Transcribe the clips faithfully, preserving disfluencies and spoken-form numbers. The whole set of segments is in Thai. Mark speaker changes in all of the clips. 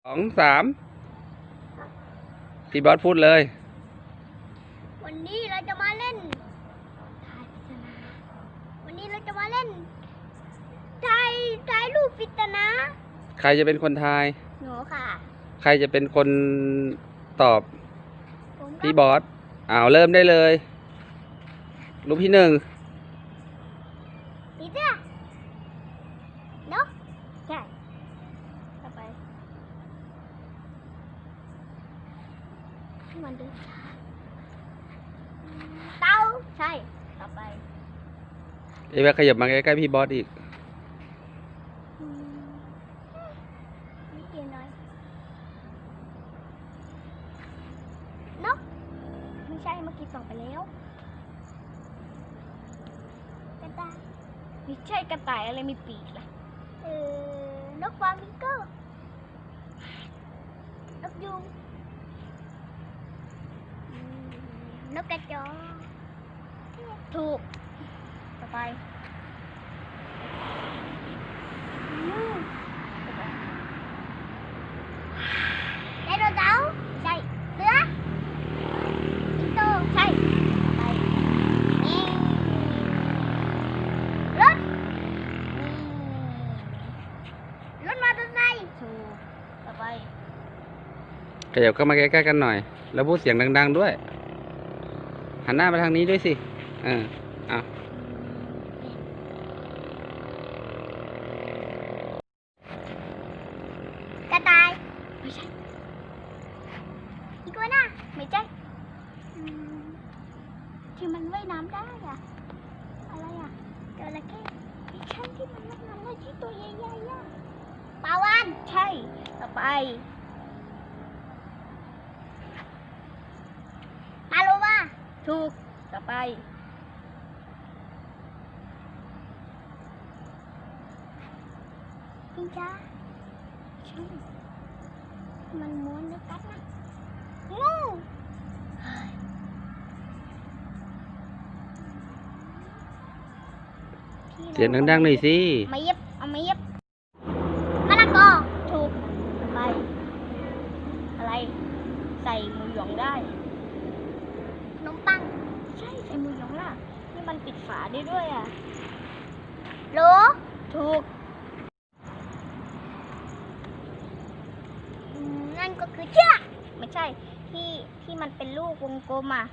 Speaker 1: องสามพี่บอสพูดเลย
Speaker 2: วันนี้เราจะมาเล่นทายปริศนาวันนี้เราจะมาเล่นทายทายรูปปริศนา
Speaker 1: ใครจะเป็นคนทาย
Speaker 2: หนูค่ะ
Speaker 1: ใครจะเป็นคนตอบ
Speaker 2: ผม
Speaker 1: พี่บอสอ้าวเริ่มได้เลยรูปที่หนึ่ง
Speaker 2: นี่จ้ะเนาะใช่ต่อไปมันดูเต้าใช่ต่อไป
Speaker 1: เอ๊ะขยับมาใกล้ๆพี่บอสอีก
Speaker 2: นิดเดียวน้อยนกไม่ใช่เมื่อกี้ส่งไปแล้วกระต่ายไม่ใช่กระต่ายอะไรมีปีกล่ะเออนกฟลามิงโก้นกยูงนกกระจอกถูกต่อไปไดโนเสาร์ใช่เสือสิงโตใช่ต่อไปนี่รถรถมอเตอร์ไซค์ถูกต่อไป
Speaker 1: ขยับเข้ามาใกล้ๆกันหน่อยแล้วพูดเสียงดังๆด้วยหันหน้ามาทางนี้ด้วยสิเออเอา
Speaker 2: กระต่ายไม่ใช่อีกัวน่าไม่ใช่ที่มันว่ายน้ำได้อะอะไรอะจระเข้ไม่ใช่ที่มันว่ายน้ำได้ที่ตัวใหญ่ๆอะปลาวาฬใช่ต่อไปปลาโลมาถูกต่อไปจิงจ้าใช่มันม้วนด้วยกันนะงู
Speaker 1: เสียงดังๆหน่อยสิ
Speaker 2: มาเย็บเอามาเย็บมะละกอถูกต่อไปอะไรใส่หมูหยองได้ขนมปังใช่ใส่หมูหยองล่ะนี่มันปิดฝาได้ด้วยอ่ะโหลถูกนั่นก็คือเชือกไม่ใช่ที่ที่มันเป็นลูกวงกลมอ่ะ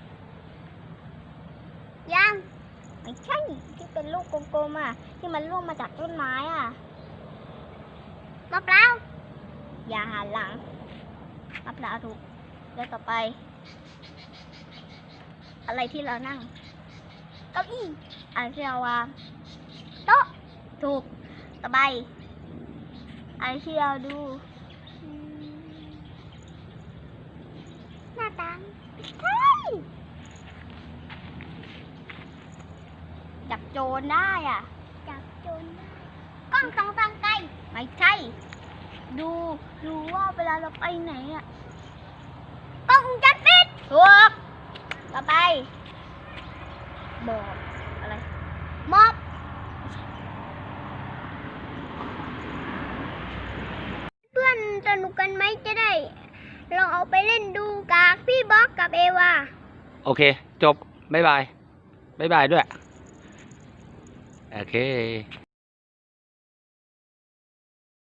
Speaker 2: ยังไม่ใช่ที่เป็นลูกกลมๆอ่ะที่มันร่วงมาจากต้นไม้อ่ะมะพร้าวอย่าหันหลังมะพร้าวถูกแล้วต่อไปอะไรที่เรานั่งเก้าอี้อะไรที่เราวางโต๊ะถูกต่อไปอะไรที่เราดูหน้าต่างใช่จับโจรได้อ่ะจับโจรได้กล้องส่องทางไกลไม่ใช่ดูดูว่าเวลาเราไปไหนอ่ะกล้องจัดปิดถูกต่อไปหมอบอะไรหมอบเพื่อนสนุกกันไหมจะได้ลองเอาไปเล่นดูกับพี่บ๊อกกับเอวา
Speaker 1: โอเคจบบ๊ายบายบ๊ายบายด้วยโอเค